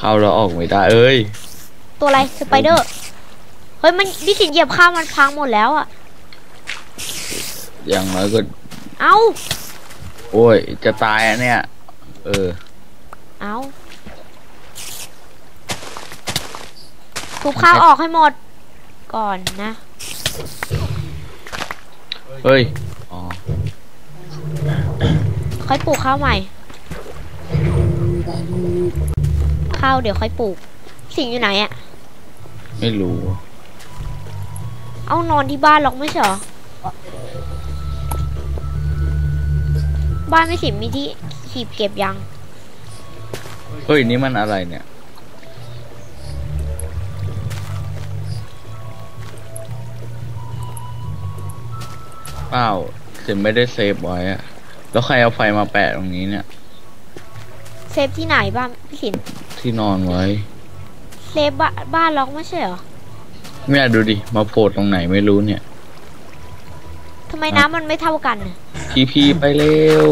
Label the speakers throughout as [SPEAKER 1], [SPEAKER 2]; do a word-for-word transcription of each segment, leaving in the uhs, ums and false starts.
[SPEAKER 1] เอาเราออกไม่ได้เอ้ย
[SPEAKER 2] ตัวอะไรสไปเดอร์เฮ้ยมันพี่สินเหยียบข้าวมันพังหมดแล้วอะ
[SPEAKER 1] อย่างน้อยก็
[SPEAKER 2] เอา
[SPEAKER 1] โอ้ยจะตายอ่ะเนี่ยเออ
[SPEAKER 2] เอาทุบข้าวออกให้หมดก่อนนะ
[SPEAKER 1] เฮ้ยอ๋อ
[SPEAKER 2] ค่อยปลูกข้าวใหม่ข้าวเดี๋ยวค่อยปลูกสิงอยู่ไหนอะ
[SPEAKER 1] ไม่รู้
[SPEAKER 2] เอานอนที่บ้านหรอกไม่ใช่หรอบ้านไม่สิมีที่ขีบเก็บยัง
[SPEAKER 1] เฮ้ยนี่มันอะไรเนี่ยเปล่าเสร็จไม่ได้เซฟไว้อะแล้วใครเอาไฟมาแปะตรงนี้เนี่ย
[SPEAKER 2] เซฟที่ไหนบ้านพี่สิน
[SPEAKER 1] ที่นอนไว้
[SPEAKER 2] เซฟบ้านบ้านล็อกไม่ใช่เหรอ
[SPEAKER 1] ไม่อยากดูดิมาโผล่ตรงไหนไม่รู้เนี่ย
[SPEAKER 2] ทำไมน้ำมันไม่เท่ากัน
[SPEAKER 1] พีพีไปเร็ว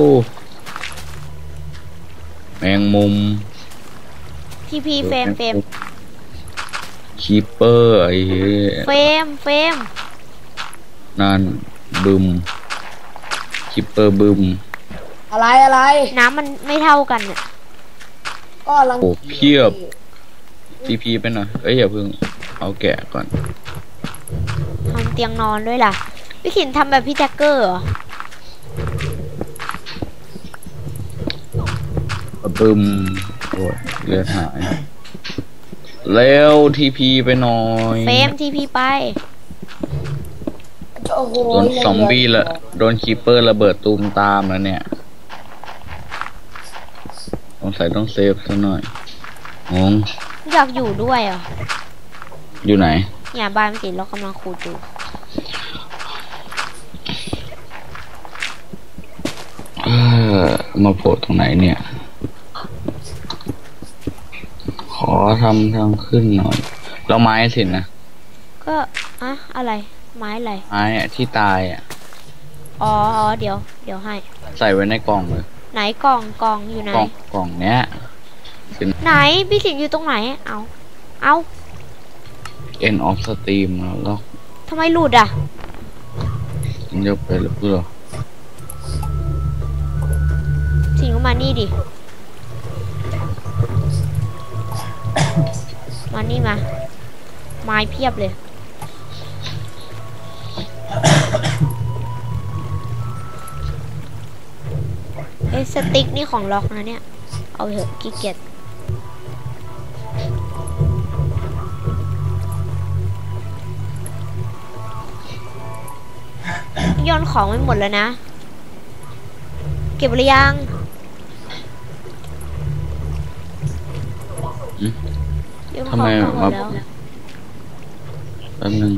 [SPEAKER 1] แมงมุม
[SPEAKER 2] พีพีเฟมเฟม
[SPEAKER 1] คีเปอร์ไอ้
[SPEAKER 2] เฟมเฟม
[SPEAKER 1] นั่นบึมคีเปอร์บึม
[SPEAKER 3] อะไรอะไร
[SPEAKER 2] น้ำมันไม่เท่ากันเนี่ย
[SPEAKER 3] ก็ลัง
[SPEAKER 1] โอ้เพียบพีพีไปหน่อยเอ้ยอย่าเพิ่งเอาแกะก่อน
[SPEAKER 2] ทำเตียงนอนด้วยล่ะพี่สินทำแบบพี่แจ็คเกอร์เหรอ
[SPEAKER 1] บึมโอ้ยเลือดหายเร็วทีพีไปหน่อย
[SPEAKER 2] เฟมทีพีไป
[SPEAKER 1] โดนซอมบี้ละโดนคีเปอร์ระเบิดตูมตามแล้วเนี่ยสงสัยต้องเซฟซะหน่อยงง
[SPEAKER 2] อยากอยู่ด้วยอ่ะ
[SPEAKER 1] อยู่ไหน
[SPEAKER 2] เนี่ยบ้านสิเรากำลังขุดอยู่
[SPEAKER 1] มาโผล่ตรงไหนเนี่ยขอทำทางขึ้นหน่อยแล้วไม้สินะ
[SPEAKER 2] ก็อะอะไรไม้อะไร
[SPEAKER 1] ไม้ที่ตายอ่ะ
[SPEAKER 2] อ๋ออ๋อเดี๋ยวเดี๋ยวให้
[SPEAKER 1] ใส่ไว้ในกล่องเลย
[SPEAKER 2] ไหนกล่องกล่องอยู่ไหน
[SPEAKER 1] กล่องกล่องเนี้ย
[SPEAKER 2] ไหนพี่สิงอยู่ตรงไหนเอาเอา
[SPEAKER 1] end of stream แล้ว
[SPEAKER 2] ทำไมหลุดอ่ะ
[SPEAKER 1] เดี๋ยวไปหรือเปล่า
[SPEAKER 2] สิงมานี่ดิมานี่มาไม้เพียบเลยเอ้สติ๊กนี่ของล็อกนะเนี่ยเอาเถอะขี้เกียจโยนของไม่หมดแล้วนะเก็บหรือยัง
[SPEAKER 1] ทำไมมาแป๊บนึง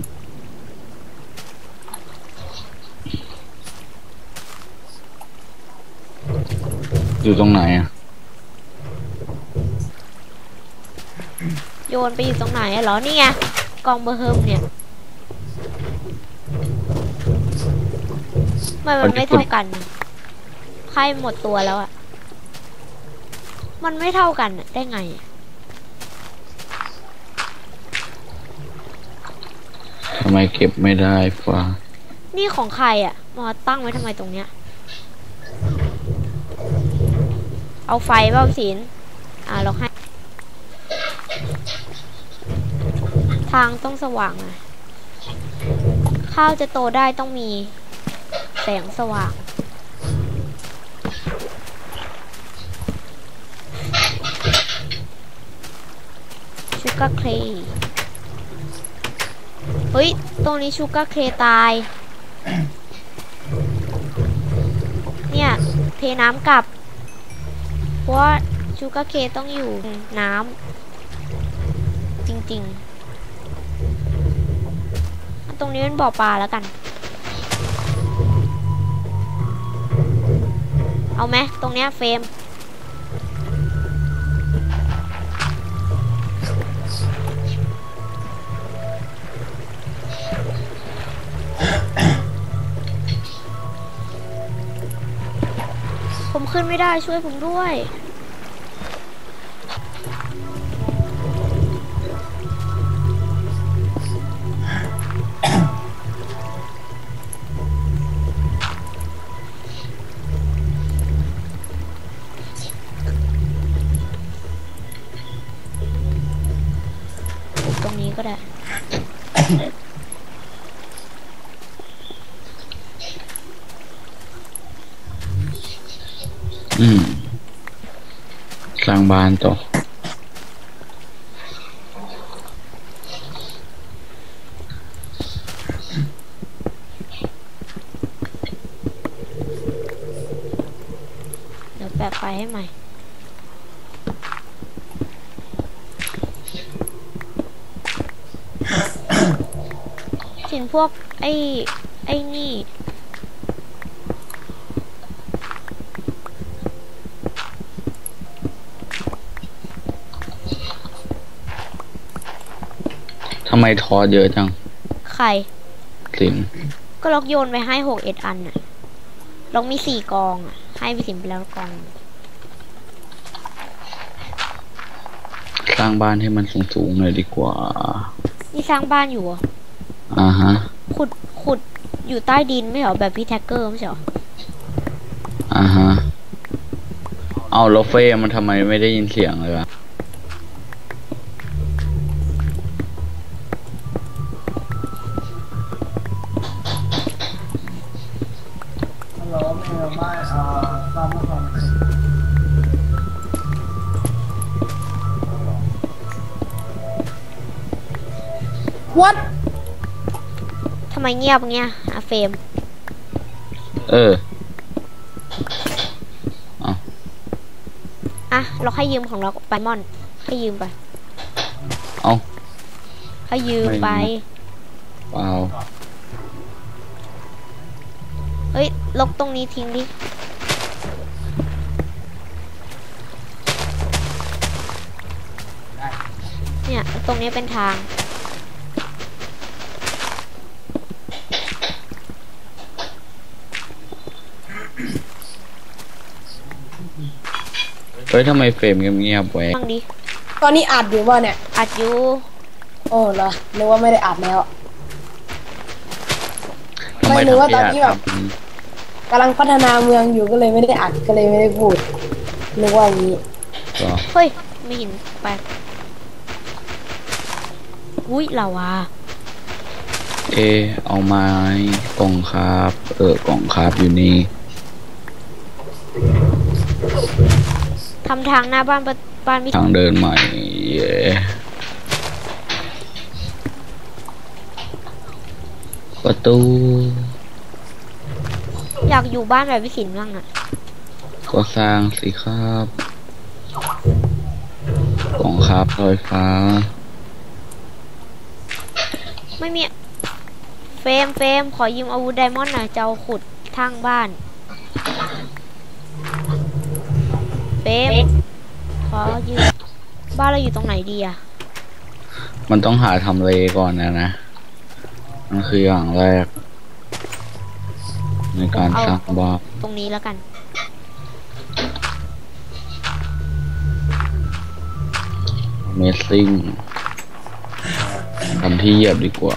[SPEAKER 1] อยู่ตรงไหนอ่ะ
[SPEAKER 2] โยนไปอยู่ตรงไหนอะเหรอนี่ไงกองเบอร์เฮิมเนี่ยมันมันไม่เท่ากันไข่หมดตัวแล้วอะมันไม่เท่ากันได้ไง
[SPEAKER 1] ทำไมเก็บไม่ได้ฟ้า
[SPEAKER 2] นี่ของใครอะมาตั้งไว้ทำไมตรงเนี้ยเอาไฟเบ้าสินอ่าเราให้ทางต้องสว่างนะข้าวจะโตได้ต้องมีแสงสว่างชูการ์เคลย์เฮ้ยตรงนี้ชูการ์เคลย์ตายเนี่ยเทน้ำกลับเพราะว่าชูการ์เคลย์ต้องอยู่น้ำจริงๆตรงนี้เป็นบ่อปลาแล้วกันเอาไหมตรงเนี้ยเฟรมผมขึ้นไม่ได้ช่วยผมด้วยก็ได้
[SPEAKER 1] อืมสร้างบ้านต่อ
[SPEAKER 2] เดี๋ยวแปะไฟให้ใหม่สินพวกไอ้ไอ้นี่
[SPEAKER 1] ทำไมทอเยอะจัง
[SPEAKER 2] ไข่
[SPEAKER 1] สิน
[SPEAKER 2] ก็ล็อกโยนไปให้หกเอ็ดอันน่ะล็อกมีสี่กองอ่ะให้พี่สินไปแล้วกอง
[SPEAKER 1] สร้างบ้านให้มันสูงๆหน่อยดีกว่า
[SPEAKER 2] นี่สร้างบ้านอยู่เหรอ
[SPEAKER 1] อ่าฮะ
[SPEAKER 2] ขุดขุดอยู่ใต้ดินไม่เหรอแบบพี่แท็กเกอร์ไม่ใช่เหรอ
[SPEAKER 1] อ่าฮะ เอาแล้วเฟ่มันทำไมไม่ได้ยินเสียงเลยวะ
[SPEAKER 3] ฮัลโหลแม่บ้านอ่าบ้านเมื่อก่อนวัด
[SPEAKER 2] ทำไมเงียบเงี้ยอะเฟรม
[SPEAKER 1] เออ
[SPEAKER 2] อ่ะเราให้ยืมของเราไปมอนให้ยืมไป
[SPEAKER 1] เอา
[SPEAKER 2] ให้ยืมไป
[SPEAKER 1] เปล่า
[SPEAKER 2] เฮ้ยลบตรงนี้ทิ้งดิเนี่ยตรงนี้เป็นทาง
[SPEAKER 1] เฮ้ยทำไมเฟรมเงียบๆไว้
[SPEAKER 2] บ้างดิ
[SPEAKER 3] ตอนนี้อัดอยู่ป่ะเนี่ย
[SPEAKER 2] อัดอยู่
[SPEAKER 3] โอ้เหรอนึกว่าไม่ได้อัดแล้ว
[SPEAKER 1] ทำไม
[SPEAKER 3] ไม่รู้ว่า
[SPEAKER 1] ทำ
[SPEAKER 3] ตอน
[SPEAKER 1] ข
[SPEAKER 3] นี้
[SPEAKER 1] ยะ
[SPEAKER 3] แบบ
[SPEAKER 1] ทำนี้
[SPEAKER 3] กำลังพัฒนาเมืองอยู่ก็เลยไม่ได้อัดก็เลยไม่ได้พูดนึกว่าอย่างนี้
[SPEAKER 1] เหรอ
[SPEAKER 2] เฮ้ยไม่เห็นไปอุ้ยเราอ่ะ
[SPEAKER 1] เอ เอาไม้กล่องครับ เออกล่องครับอยู่นี่
[SPEAKER 2] ทำทางหน้าบ้านบ้านมิ
[SPEAKER 1] ทางเดินใหม่ เย้ประตู
[SPEAKER 2] อยากอยู่บ้านแบบวิสินบ้างอ่ะ
[SPEAKER 1] ก็สร้างสิครับ กล่องครับลอยฟ้า
[SPEAKER 2] ไม่มีเฟรมเฟรมขอยืมอาวุธไดมอนด์หน่อยจะเอาขุดทางบ้านเฟรมขอยืมบ้านเราอยู่ตรงไหนดีอะ
[SPEAKER 1] มันต้องหาทำเลก่อนนะนะ มันคืออย่างแรก ในการสร้างบ้าน
[SPEAKER 2] ตรงนี้แล้วกัน
[SPEAKER 1] Amazing ทำที่เหยียบดีกว่า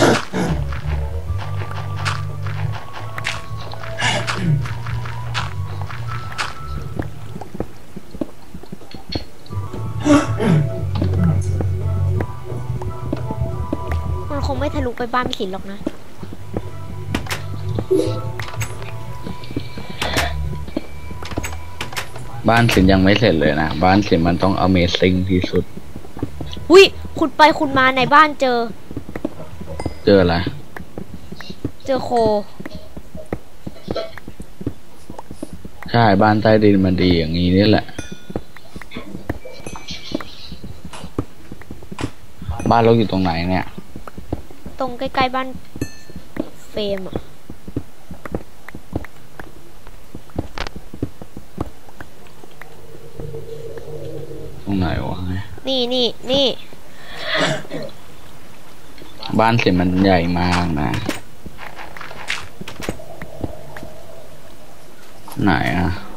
[SPEAKER 2] มันคงไม่ทะลุไปบ้านมิสินหรอกนะ
[SPEAKER 1] บ้านสินยังไม่เสร็จเลยนะ บ้านสินมันต้อง Amazing ที่สุด
[SPEAKER 2] อุ้ยขุดไปขุดมาในบ้านเจอ
[SPEAKER 1] เจออะไร
[SPEAKER 2] เจอโค
[SPEAKER 1] ใช่ บ้านใต้ดินมันดีอย่างนี้นี่แหละ บ้านเราอยู่ตรงไหนเนี่ย
[SPEAKER 2] ตรงใกล้ๆบ้านเฟรมอะ
[SPEAKER 1] ตรงไหนวะ
[SPEAKER 2] นี่นี่นี่
[SPEAKER 1] บ้านสินมันใหญ่มากนะ ไหนอะ